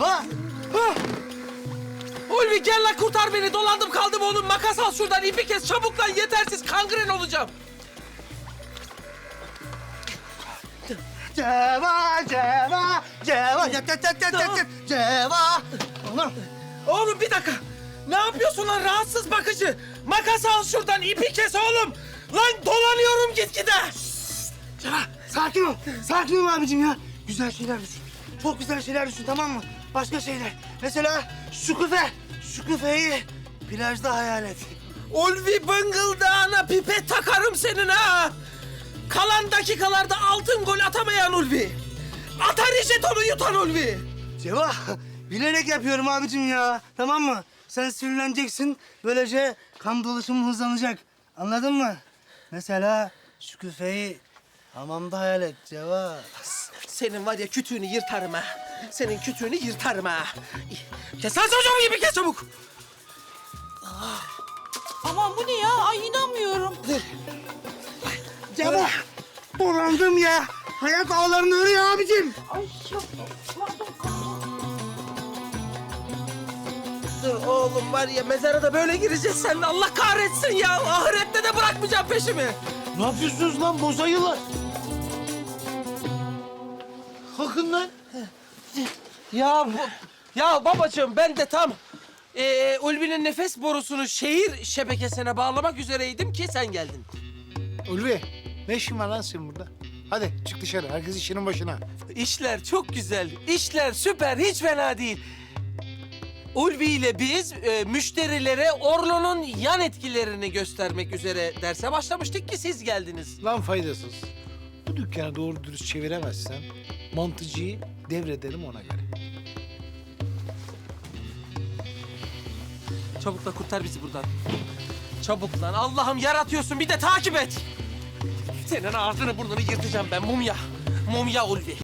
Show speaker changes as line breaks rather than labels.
Ceva.
Ulvi gel lan kurtar beni. Dolandım kaldım oğlum. Makas al şuradan. İpi kes çabuk lan. Yetersiz kangren olacağım.
Ceva, Ceva, Ceva. Yat, yat, yat, yat, yat, yat. Ceva. Oğlum.
Oğlum bir dakika. Ne yapıyorsun lan rahatsız bakıcı? Makas al şuradan. İpi kes oğlum. Lan dolanıyorum gitgide.
Ceva, sakin ol. Sakin ol abicim ya. Güzel şeyler düşün. Çok güzel şeyler düşün, tamam mı? Başka şeyler. Mesela şu küfe. Şu küfeyi plajda hayal et.
Ulvi bıngıldağına pipet takarım senin ha. Kalan dakikalarda altın gol atamayan Ulvi. Atari jetonu yutan Ulvi.
Ceva, bilerek yapıyorum abicim ya. Tamam mı? Sen sinirleneceksin. Böylece kan dolaşımı hızlanacak. Anladın mı? Mesela şu küfeyi hamamda hayal et Ceva.
Senin var ya kütüğünü yırtarım ha. Senin kütüğünü yırtarım ha. Kes lan çocuğum gibi kes çabuk.
Aman bu ne ya? Ay inanmıyorum.
Ceva, dolandım ya. Hayat ağlarını örüyor abicim.
Ay yok.
Dur oğlum var ya mezara da böyle gireceğiz seninle. Allah kahretsin ya. Ahirette de bırakmayacağım peşimi.
Ne yapıyorsunuz lan bozayılar? Kalkın lan.
Ya babacığım ben de tam Ulvi'nin nefes borusunu şehir şebekesine bağlamak üzereydim ki sen geldin.
Ulvi, ne işin var lan senin burada? Hadi çık dışarı, herkes işinin başına.
İşler çok güzel, işler süper, hiç fena değil. Ulvi ile biz müşterilere Orlo'nun yan etkilerini göstermek üzere derse başlamıştık ki siz geldiniz.
Lan faydasız. Bu dükkanı doğru dürüst çeviremezsen mantıcıyı devrederim ona göre.
Çabuk da kurtar bizi buradan. Çabuk lan, Allah'ım yaratıyorsun bir de takip et. Senin ağzını burnunu yırtacağım ben mumya. Mumya Ulvi.